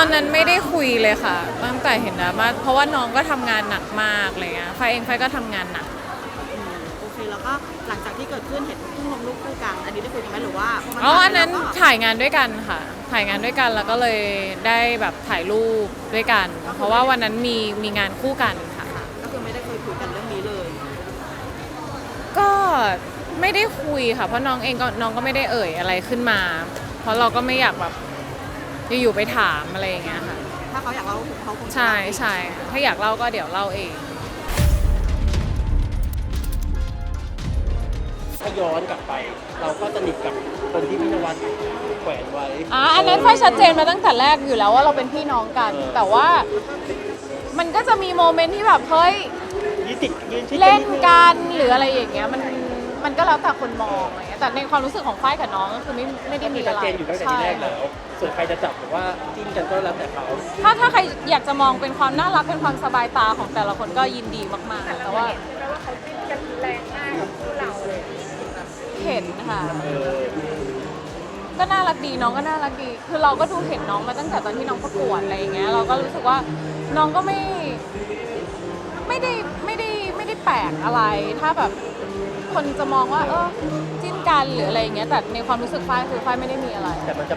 อนนั้นไม่ได้คุยเลยค่ะตั้งแต่เห็นดราม่าเพราะว่าน้องก็ทำงานหนักมากอะไรเงี้ยไฟเองไฟก็ทำงานหนักโอเคแล้วก็หลังจากที่เกิดขึ้นเห็นเพิ่งลงรูปคู่กันอันนี้ได้คุยกันไหมหรือว่าอันนั้นถ่ายงานด้วยกันค่ะถ่ายงานด้วยกันแล้วก็เลยได้แบบถ่ายรูปด้วยกันเพราะว่าวันนั้นมีงานคู่กันค่ะก็คือไม่ได้เคยคุยกันเรื่องนี้เลยก็ไม่ได้คุยค่ะเพราะน้องก็ไม่ได้เอ่ยอะไรขึ้นมาเพราะเราก็ไม่อยากแบบอยู่ๆไปถามอะไรอย่างเงี้ยค่ะถ้าเขาอยากเล่าเขาคงใช่ถ้าอยากเล่าก็เดี๋ยวเล่าเองถ้าย้อนกลับไปเราก็สนิทกับคนที่พี่นวัดแขวนไว้อันนั้นไฟชัดเจนมาตั้งแต่แรกอยู่แล้วว่าเราเป็นพี่น้องกันแต่ว่ามันก็จะมีโมเมนต์ที่แบบเฮ้ยเล่นกันหรืออะไรอย่างเงี้ยมันก็แล้วแต่คนมองอะไรเงี้ยแต่ในความรู้สึกของฝ้ายกับน้องก็คือไม่ได้มีอะไรชัดเจนอยู่ตั้งแต่ทีแรกแล้วส่วนใครจะจับหรือว่าจิ้นกันก็แล้วแต่เขาถ้าใครอยากจะมองเป็นความน่ารักเป็นความสบายตาของแต่ละคนก็ยินดีมากๆแต่ว่าเขาจิ้นกันแรงมากกับคู่เราเลยเห็นค่ะก็น่ารักดีน้องก็น่ารักดีคือเราก็ดูเห็นน้องมาตั้งแต่ตอนที่น้องประกวดอะไรอย่างเงี้ยเราก็รู้สึกว่าน้องก็ไม่ได้แปลกอะไรถ้าแบบคนจะมองว่าจิ้นกันหรืออะไรอย่างเงี้ยแต่ในความรู้สึกฝ้ายคือฝ้ายไม่ได้มีอะไรแต่มันจะ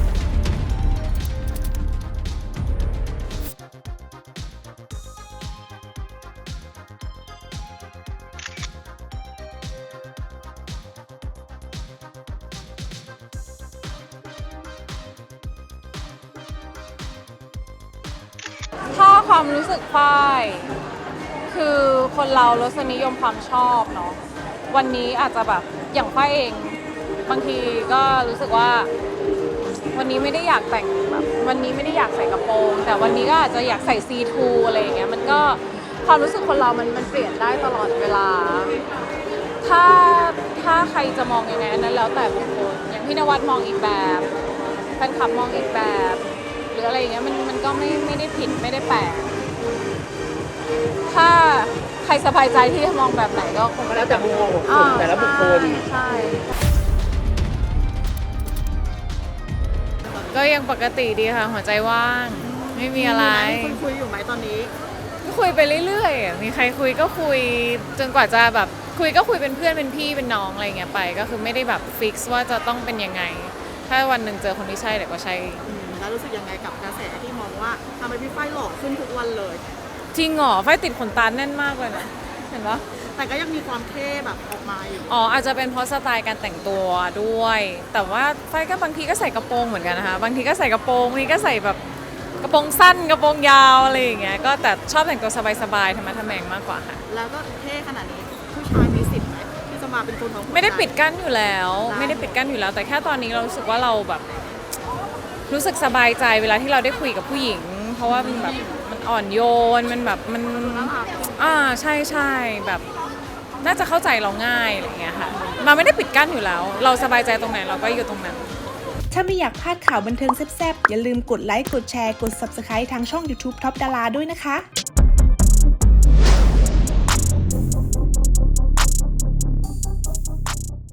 ถ้าความรู้สึกฝ้ายคือคนเรารสนิยมความชอบเนาะวันนี้อาจจะแบบอย่างฝ้ายเองบางทีก็รู้สึกว่าวันนี้ไม่ได้อยากแต่งแบบวันนี้ไม่ได้อยากใส่กระโปรงแต่วันนี้ก็อาจจะอยากใส่ซีทูอะไรอย่างเงี้ยมันก็ความรู้สึกคนเรามันเปลี่ยนได้ตลอดเวลาถ้าใครจะมองยังไงอันนั้นแล้วแต่บุคคลอย่างพี่นวัดมองอีกแบบแฟนคลับมองอีกแบบหรืออะไรอย่างเงี้ยมันก็ไม่ได้ผิดไม่ได้แปลกถ้าใครสบายใจที่จะมองแบบไหนก็คงแล้วแต่มุมมองของคนแต่ละบุคคลใช่ก็ยังปกติดีค่ะหัวใจว่างไม่มีอะไรคุยอยู่ไหมตอนนี้ก็คุยไปเรื่อยๆมีใครคุยก็คุยจนกว่าจะแบบคุยก็คุยเป็นเพื่อนเป็นพี่เป็นน้องอะไรเงี้ยไปก็คือไม่ได้แบบฟิกซ์ว่าจะต้องเป็นยังไงถ้าวันหนึ่งเจอคนที่ใช่เดี๋ยวก็ใช่แล้วรู้สึกยังไงกับกระแสที่มองว่าทำไมพี่ฝ้ายหล่อขึ้นทุกวันเลยจริงเหรอฝ้ายติดขนตาแน่นมากเลยนะเห็นปะแต่ก็ยังมีความเท่แบบออกมาอยู่อาจจะเป็นเพราะสไตล์การแต่งตัวด้วยแต่ว่าฝ้ายก็บางทีก็ใส่กระโปรงเหมือนกันนะคะบางทีก็ใส่กระโปรงบางทีก็ใส่แบบกระโปรงสั้นกระโปรงยาวอะไรอย่างเงี้ยก็แต่ชอบแต่งตัวสบายๆธรรมะทแมงมากกว่าค่ะแล้วก็เท่ขนาดนี้ผู้ชายมีสิทธิ์ไหมที่จะมาเป็นคนของไม่ได้ปิดกั้นอยู่แล้วไม่ได้ปิดกั้นอยู่แล้วแต่แค่ตอนนี้เรารู้สึกว่าเราแบบรู้สึกสบายใจเวลาที่เราได้คุยกับผู้หญิงเพราะว่ามันแบบมันอ่อนโยนมันแบบมันใช่แบบน่าจะเข้าใจเราง่ายอะไรอย่างเงี้ยค่ะมาไม่ได้ปิดกั้นอยู่แล้วเราสบายใจตรงไหนเราก็อยู่ตรงนั้นถ้าไม่อยากพลาดข่าวบันเทิงแซ่บๆอย่าลืมกดไลค์กดแชร์กด Subscribe ทางช่อง YouTube Top Dara ด้วยนะคะ